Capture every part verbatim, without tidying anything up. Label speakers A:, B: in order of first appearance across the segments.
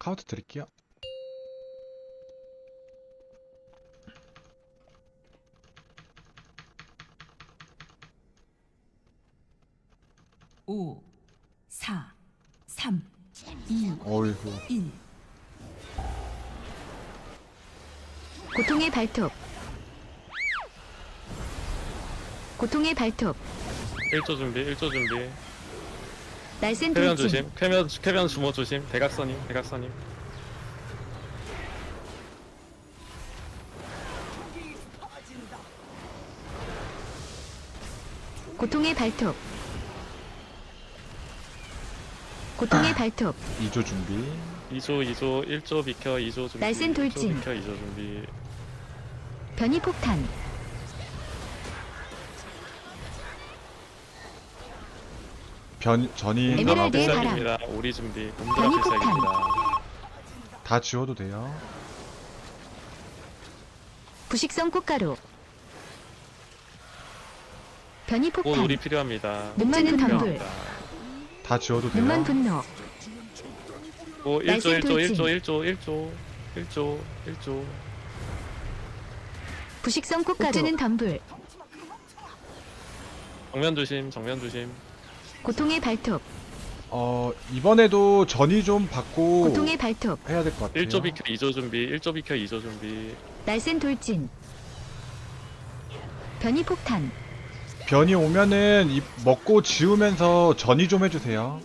A: 카운트 드릴게요.
B: 오, 사, 삼, 이,
A: 어이구.
B: 일.
C: 고통의 발톱. 고통의 발톱.
D: 일 조 준비, 일 조 준비.
C: 날쌘
D: 쾌변
C: 돌진.
D: 조심, 쾌변, 쾌변 주모 조심. 대각선임, 대각선임.
C: 고통의 발톱. 고통의 발톱.
A: 이 조 준비.
D: 이 조, 이 조, 일 조 비켜, 이 조 준비.
C: 날쌘 돌진.
D: 일 조 비켜, 이 조 준비.
C: 변이 폭탄.
A: 변 전이
C: 에메랄드의
A: 나가고
C: 바람.
D: 필살기입니다. 오리 준비. 곰드라
C: 변이
D: 필살기입니다.
A: 다 지워도 돼요.
C: 부식성 꽃가루. 변이
D: 곧
C: 폭탄.
D: 오리 필요합니다.
C: 눈만은 덤불.
D: 필요합니다.
A: 다 지워도 돼요.
C: 눈만 분노.
D: 오, 일 조, 일 조, 일 조,
C: 돌진.
D: 일 조, 일 조, 일 조, 일 조.
C: 부식성 꽃가루. 옥주는 덤불.
D: 정면 조심, 정면 조심.
C: 고통의 발톱.
A: 어 이번에도 전이 좀 받고
C: 고통의 발톱.
A: 해야 될 것 같아요.
D: 일 조 비켜, 이 조 준비. 일 조 비켜, 이 조 준비.
C: 날쌘 돌진. 변이 폭탄.
A: 변이 오면은 이 먹고 지우면서 전이 좀 해주세요.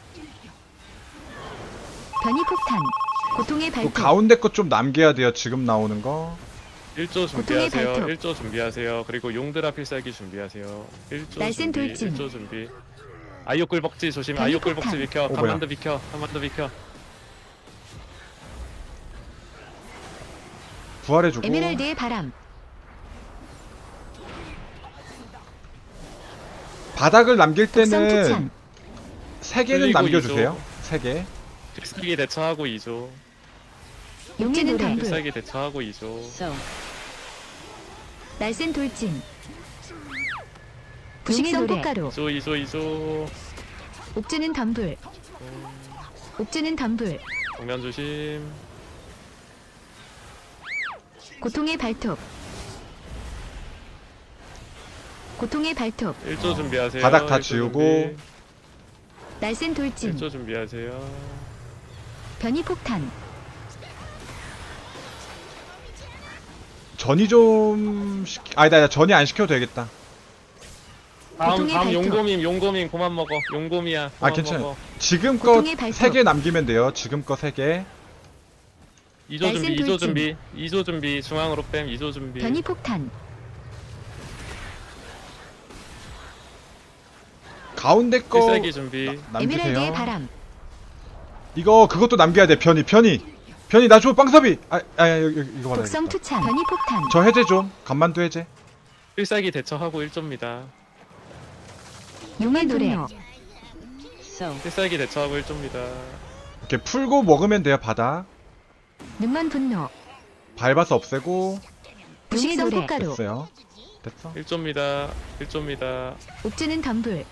C: 변이 폭탄. 고통의
A: 또
C: 발톱.
A: 가운데 것 좀 남겨야 돼요. 지금 나오는 거.
D: 일 조
C: 고통의
D: 준비하세요.
C: 발톱.
D: 일 조 준비하세요. 그리고 용드라 필살기 준비하세요. 일 조
C: 날쌘
D: 준비,
C: 돌진.
D: 일 조 준비. 아이오 꿀벅지 조심.
C: 변이
D: 아이오 꿀벅지
C: 폭탄.
D: 비켜.
A: 어, 뭐야.
D: 한번더 비켜. 한번더 비켜.
A: 부활해주고.
C: 에메랄드의 바람.
A: 바닥을 남길
C: 독성
A: 때는
C: 투창.
A: 세 개는
D: 그리고
A: 남겨주세요.
D: 이 조.
A: 세 개.
D: 필살기 대처하고 이 조.
C: 용의 노래.
D: 필살기 대처하고 이 조.
B: So.
C: 날쌘 돌진. 부식성 꽃가루.
D: 이 조, 이 조, 이 조.
C: 옥주는 덤불. 옥주는 덤불.
D: 정면 조심.
C: 고통의 발톱. 고통의 발톱.
D: 일 조 준비하세요.
A: 바닥 다
D: 일 조
A: 지우고.
D: 준비.
C: 날쌘 돌진.
D: 일 조 준비하세요.
C: 변이 폭탄.
A: 전이 좀 시키... 아니다, 아니다. 전이 안 시켜도 되겠다.
D: 다음
C: 고통의
D: 다음
C: 발톱.
D: 용곰임 용곰임 그만 먹어. 용곰이야.
A: 아
D: 그만
A: 괜찮아요.
D: 먹어.
A: 지금
C: 고통의
A: 거
C: 발톱.
A: 세 개 남기면 돼요. 지금 거 세 개.
D: 이 조
C: 날쌘
D: 준비, 이 조
C: 돌진.
D: 준비, 이 조 준비, 중앙으로 뺨, 이 조 준비.
C: 변이 폭탄.
A: 가운데 거
D: 필살기 준비.
C: 에메랄드의
A: 남기세요.
C: 바람.
A: 이거 그것도 남겨야 돼. 변이, 변이, 변이 나 줘. 빵섭이. 아, 아, 여기, 여기, 이거 받아.
C: 독성 투창. 변이 폭탄.
A: 저 해제 좀. 간만두 해제.
D: 필살기 대처하고 일 조입니다.
C: 용의 노래.
B: So.
D: 필살기 대처하고 일 조입니다.
A: 이렇게 풀고 먹으면 돼요. 바닥.
C: 눈만 분노.
A: 밟아서 없애고.
C: 부식성
B: 노래.
C: 꽃가루.
A: 됐어요. 됐어.
D: 일 조입니다. 일 조입니다.
C: 옥주는 덤불.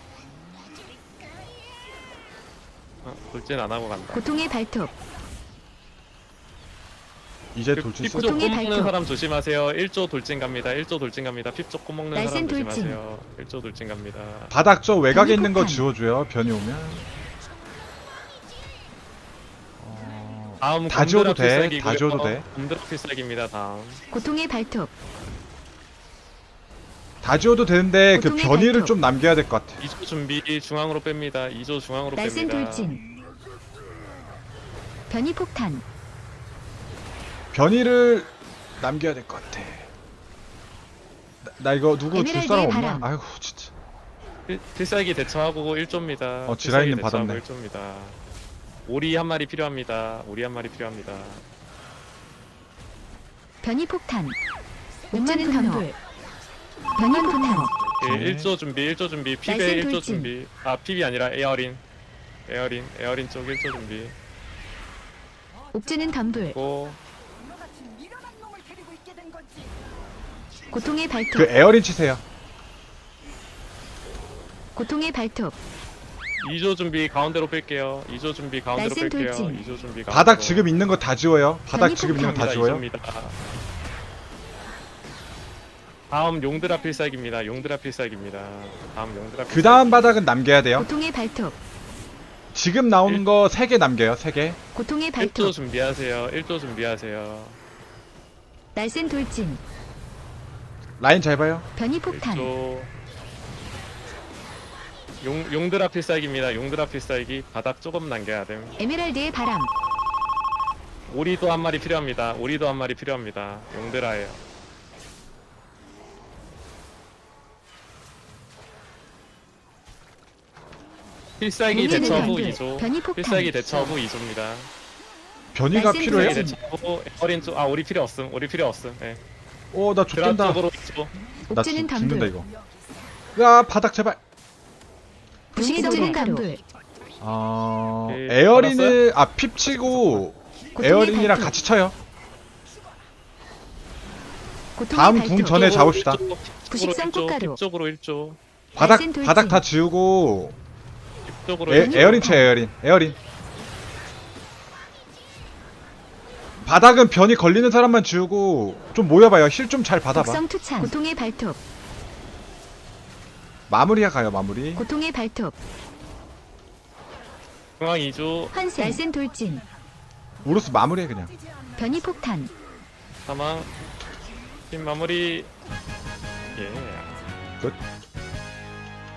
D: 어, 돌진 안 하고 간다.
C: 고통의 발톱.
A: 이제
D: 그
A: 돌진
D: 핍쪽
A: 쓰.
C: 고통의
D: 꼬 먹는
C: 발톱.
D: 사람 조심하세요. 일 조 돌진 갑니다. 일 조 돌진 갑니다. 핍쪽 꼬 먹는
C: 날쌘
D: 사람
C: 돌진.
D: 조심하세요. 일 조 돌진 갑니다.
A: 바닥 저 외곽에
C: 변이
A: 있는 거
C: 폭탄.
A: 지워줘요. 변이 오면. 어...
D: 다음
A: 다 지워도
D: 곰드라
A: 돼.
D: 필살기고요.
A: 다 지워도 돼.
D: 곰드라 필살기입니다. 다음.
C: 고통의 발톱.
A: 다 지워도 되는데 그
C: 고통의
A: 변이를
C: 발톱.
A: 좀 남겨야 될 것 같아.
D: 이 조 준비 중앙으로 뺍니다. 이 조 중앙으로
C: 날쌘
D: 뺍니다.
C: 돌진. 변이 폭탄.
A: 변이를 남겨야 될 것 같아. 나, 나 이거 누구 줄
C: 에메랄드의
A: 사람 없나?
C: 바람.
A: 아이고 진짜.
D: 필, 필살기 대처하고 일 조입니다.
A: 어, 지라이님
D: 필살기 대처하고
A: 받았네.
D: 일 조입니다. 오리 한 마리 필요합니다. 오리 한 마리 필요합니다.
C: 변이 폭탄. 옥주는 덤불. 변이 폭탄.
D: 예,
A: 오케이.
D: 일 조 준비, 일 조 준비, 피베
C: 날쌘
D: 일 조
C: 돌진.
D: 준비. 아, 핍이 아니라 에어린. 에어린, 에어린 쪽 일 조 준비.
C: 옥주는 덤불.
D: 고.
C: 고통의 발톱.
A: 그 에어린 치세요.
C: 고통의 발톱.
D: 이 조 준비 가운데로 뺄게요. 이 조 준비 가운데로
C: 날쌘
D: 뺄게요.
C: 돌진.
D: 이 조 준비 가운데로.
A: 바닥 지금 있는 거 다 지워요. 바닥
C: 변이
A: 지금 있는 거 다
C: 폭탄.
A: 지워요.
D: 이조입니다. 다음 용드라 필살기입니다. 용드라 필살기입니다. 다음 용드라
A: 그 다음 바닥은 남겨야 돼요.
C: 고통의 발톱.
A: 지금 나오는 거 세 개 남겨요. 세 개.
C: 고통의
D: 일 조
C: 발톱.
D: 준비하세요. 일 조 준비하세요.
C: 날쌘 돌진.
A: 라인 잘 봐요.
C: 변이 폭탄.
D: 일 조. 용 용드라 필살기입니다. 용드라 필살기 바닥 조금 남겨야 됨.
C: 에메랄드의 바람.
D: 오리도 한 마리 필요합니다. 오리도 한 마리 필요합니다. 용드라예요. 필살기
C: 용기는
D: 대처 후
C: 단글,
D: 이 조.
C: 변이 폭탄.
D: 필살기 대처 후 이 조입니다.
A: 변이가
C: 날쌘
A: 필요해요.
C: 돌진.
D: 필살기 대처 후 어린 쪽. 아 오리 필요 없음. 오리 필요 없음. 예.
A: 오, 나
D: 드랍
A: 죽된다.
D: 쪽으로 이 조.
A: 나
C: 옥지는
A: 죽, 죽는다
C: 덤불.
A: 이거. 야, 바닥 제발.
C: 부식적인 덤불.
A: 어,
D: 오케이,
A: 에어린을 아 핍 치고
C: 고통의
A: 에어린이랑
C: 발톱.
A: 같이 쳐요.
C: 고통의
A: 다음
C: 발톱.
A: 궁 전에 잡읍시다.
C: 부식성 꽃가루.
D: 쪽으로 일 조.
A: 바닥
C: 날쌘 돌진.
A: 바닥 다 지우고
D: 쪽으로
A: 에,
D: 일 조.
A: 에어린 쳐 에어린. 에어린. 바닥은 변이 걸리는 사람만 지우고 좀 모여봐요. 힐 좀 잘 받아봐.
C: 독성 투창. 고통의 발톱.
A: 마무리야 가요 마무리.
C: 고통의 발톱.
D: 중앙 이 조.
C: 환생. 날쌘 돌진.
A: 우루스 마무리해 그냥.
C: 변이 폭탄.
D: 사망. 팀 마무리. 예.
A: 끝.